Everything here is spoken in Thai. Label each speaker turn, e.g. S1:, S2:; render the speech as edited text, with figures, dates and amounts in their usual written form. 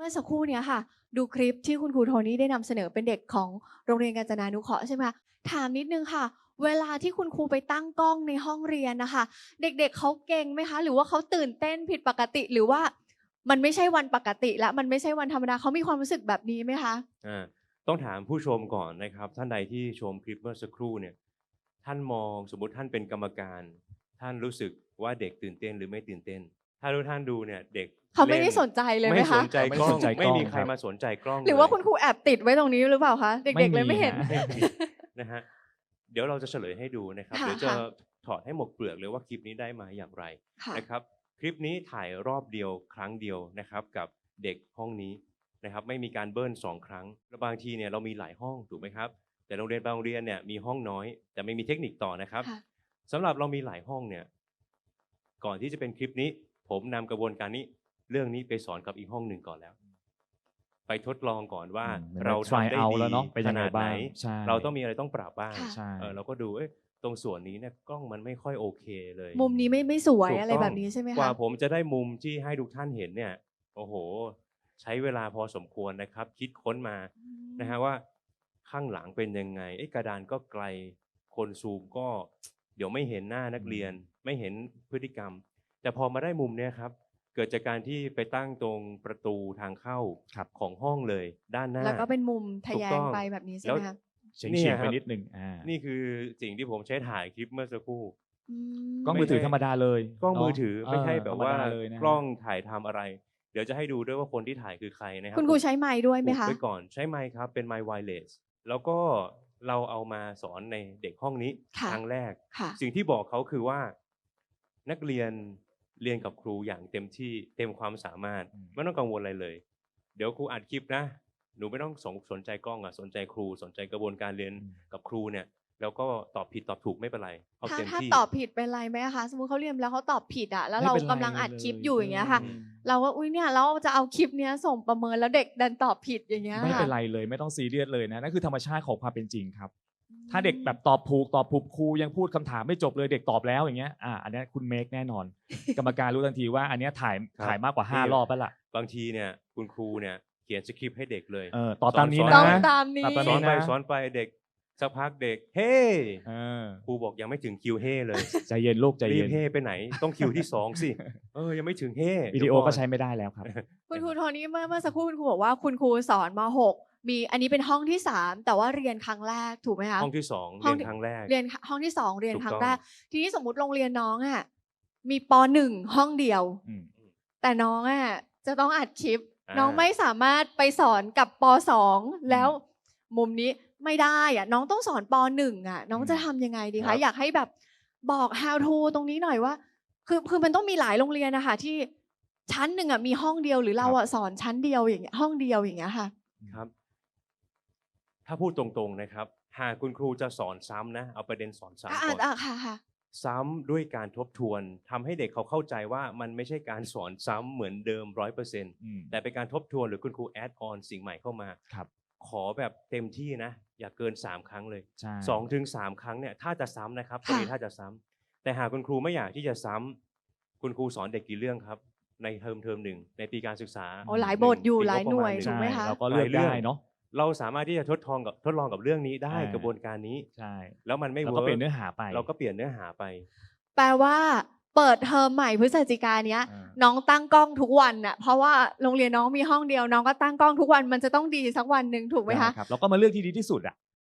S1: มื่อสักครู่เนี้ยค่ะ ดูคลิปที่คุณครูโทนี่ได้นำเสนอเป็นเด็กของโรงเรียนกาญจนานุเคราะห์ใช่ไหมคะถามนิดนึงค่ะ เวลาที่คุณครูไปตั้งกล้องในห้องเรียนนะคะ เด็กๆเขาเก่งไหมคะ หรือว่าเขาตื่นเต้นผิดปกติ หรือว่ามันไม่ใช่วันปกติแล้วมันไม่ใช่วันธรรมดาเขามีความรู้สึกแบบนี้ไหมคะ
S2: ต้องถามผู้ชมก่อนนะครับท่านใดที่ชมคลิปเมื่อสักครู่เนี่ยท่านมองสมมุติท่านเป็นกรรมการท่านรู้สึกว่าเด็กตื่นเต้นหรือไม่ตื่นเต้นถ้าทุกท่านดูเนี่ยเด็ก
S1: เขาไม่ได้สนใจเลยไหม
S2: ไม่ส
S1: คะ
S2: นใจกล้องไม่มีใครมาสนใจกล้อง
S1: หรือว่าคุณครูแอบติดไว้ตรงนี้หรือเปล่าคะเด็กๆเลยไม่เห็น
S2: นะฮะเดี๋ยวเราจะเฉลยให้ดูนะครับเดี๋ยวจะถอดให้หมดเปลือกเลยว่าคลิปนี้ได้มาอย่างไรนะครับคลิปนี้ถ่ายรอบเดียวครั้งเดียวนะครับกับเด็กห้องนี้นะครับไม่มีการเบิ้ล2 ครั้งแล้วบางทีเนี่ยเรามีหลายห้องถูกไหมครับแต่โรงเรียนบางโรงเรียนเนี่ยมีห้องน้อยแต่ไม่มีเทคนิคต่อนะครับสำหรับเรามีหลายห้องเนี่ยก่อนที่จะเป็นคลิปนี้ผมนำกระบวนการนี้เรื่องนี้ไปสอนกับอีกห้องหนึ่งก่อนแล้วไปทดลองก่อนว่าเราทำได้ดีขนาดไหนเราต้องมีอะไรต้องปรับบ้างเราก็ดูตรงส่วนนี้เนี่ยกล้องมันไม่ค่อยโอเคเลย
S1: มุมนี้ไม่สวยอะไรแบบนี้ใช่ไหมคะ
S2: กว่าผมจะได้มุมที่ให้ทุกท่านเห็นเนี่ยโอ้โหใช้เวลาพอสมควรนะครับคิดค้นมานะฮะว่าข้างหลังเป็นยังไงกระดานก็ไกลคนซูมก็เดี๋ยวไม่เห็นหน้านักเรียนไม่เห็นพฤติกรรมแต่พอมาได้มุมเนี่ยครับเกิดจากการที่ไปตั้งตรงประตูทางเข้าของห้องเลยด้านหน้า
S1: แล้วก็เป็นมุมทะแยงไปแบบนี้ใช่ไหมคะ
S3: เฉียงไปนิดนึง
S2: นี่คือสิ่งที่ผมใช้ถ่ายคลิปเมื่อสักครู่
S3: กล้องมือถือธรรมดาเลย
S2: กล้องมือถือไม่ใช่แบบว่ากล้องถ่ายทำอะไรเดี๋ยวจะให้ดูด้วยว่าคนที่ถ่ายคือใครนะครับ
S1: คุณครูใช้ไมค์ด้วยไหมคะ
S2: ไปก่อนใช้ไมค์ครับเป็นไมค์ไวเลสแล้วก็เราเอามาสอนในเด็กห้องนี้ครั้งแรกสิ่งที่บอกเขาคือว่านักเรียนเรียนกับครูอย่างเต็มที่เต็มความสามารถไม่ต้องกังวลอะไรเลยเดี๋ยวครูอัดคลิปนะหนูไม่ต้องสนใจกล้องสนใจครูสนใจกระบวนการเรียนกับครูเนี่ยแล้วก็ตอบผิดตอบถูกไม่เป็นไรเอาเต็มที่
S1: ถ้าตอบผิดเป็นไรไหมคะสมมติเขาเรียนแล้วเขาตอบผิดแล้วเรากำลังอัดคลิปอยู่อย่างเงี้ยค่ะเราก็อุ้ยเนี่ยเราจะเอาคลิปเนี้ยส่งประเมินแล้วเด็กดันตอบผิดอย่างเงี้ย
S3: ไม่เป็นไรเลยไม่ต้องซีเรียสเลยนะนั่นคือธรรมชาติของความเป็นจริงครับถ้าเด็กแบบตอบถูกครูยังพูดคำถามไม่จบเลยเด็กตอบแล้วอย่างเงี้ยอันนี้คุณเมคแน่นอน กรรมการรู้ทันทีว่าอันนี้ถ่ายมากกว่า5 รอบแล้วล่ะ
S2: บางทีเนี่ยคุณครูเนี่ยเขียนสคริปต์ให้เด็กเลย
S3: ตอบตามนี้นะ
S1: ต้องตามนี้
S2: สอนไปเด็กสักพักเด็กเฮ้ครูบอกยังไม่ถึงคิวเฮ้เลย
S3: ใจเย็นลูกใจเย็น
S2: รีบเฮ้ไปไหนต้องคิวที่2สิยังไม่ถึงเฮ้
S3: วิดีโอก็ใช้ไม่ได้แล้วครับ
S1: คุณครูโทนี่เมื่อสักครู่คุณครูบอกว่าคุณครูสอนม.6มีอันนี้เป็นห้องที่3แต่ว่าเรียนครั้งแรกถูกไหมคะ
S2: ห้องที่2เรียนครั้งแรก
S1: เรียนห้องที่2เรียนครั้งแรกทีนี้สมมุติโรงเรียนน้องมีป.1 ห้องเดียวแต่น้องจะต้องอัดคลิปน้องไม่สามารถไปสอนกับป.2 แล้วมุมนี้ไม่ได้น้องต้องสอนป.1 น้องจะทำยังไงดีคะอยากให้แบบบอก how to ตรงนี้หน่อยว่าคือมันต้องมีหลายโรงเรียนนะคะที่ชั้นหนึ่งมีห้องเดียวหรือเราสอนชั้นเดียวอย่างเงี้ยห้องเดียวอย่างเงี้ยค่ะ
S2: ครับถ้าพูดตรงๆนะครับหากคุณครูจะสอนซ้ำนะเอาประเด็นสอนซ้ำก่อนซ้ำด้วยการทบทวนทำให้เด็กเขาเข้าใจว่ามันไม่ใช่การสอนซ้ำเหมือนเดิม 100% แต่เป็นการทบทวนหรือคุณครูแอดออนสิ่งใหม่เข้ามาขอแบบเต็มที่นะอย่าเกิน3 ครั้งเลย2-3 ครั้งเนี่ยถ้าจะซ้ำนะครับตรงนี้ถ้าจะซ้ำแต่หากคุณครูไม่อยากที่จะซ้ำคุณครูสอนเด็กกี่เรื่องครับในเทอม1ในปีการศึกษา
S1: หลายบทอยู่หลายหน่วยถูกไหมคะ
S3: เราก็เลือกได้เนาะ
S2: เราสามารถที่จะทดลองกับเรื่องนี้ได้กระบวนการนี้
S3: ใช่
S2: แล้วมันไม่เวิร์ก
S3: เราก็เปลี่ยนเนื้อหาไป
S1: แปลว่าเปิดเทอมใหม่พฤศจิกายนเนี้ยน้องตั้งกล้องทุกวันเพราะว่าโรงเรียนน้องมีห้องเดียวน้องก็ตั้งกล้องทุกวันมันจะต้องดีสักวันหนึ่งถูกไหมคะ
S3: เราก็มาเลือกที่ดีที่สุด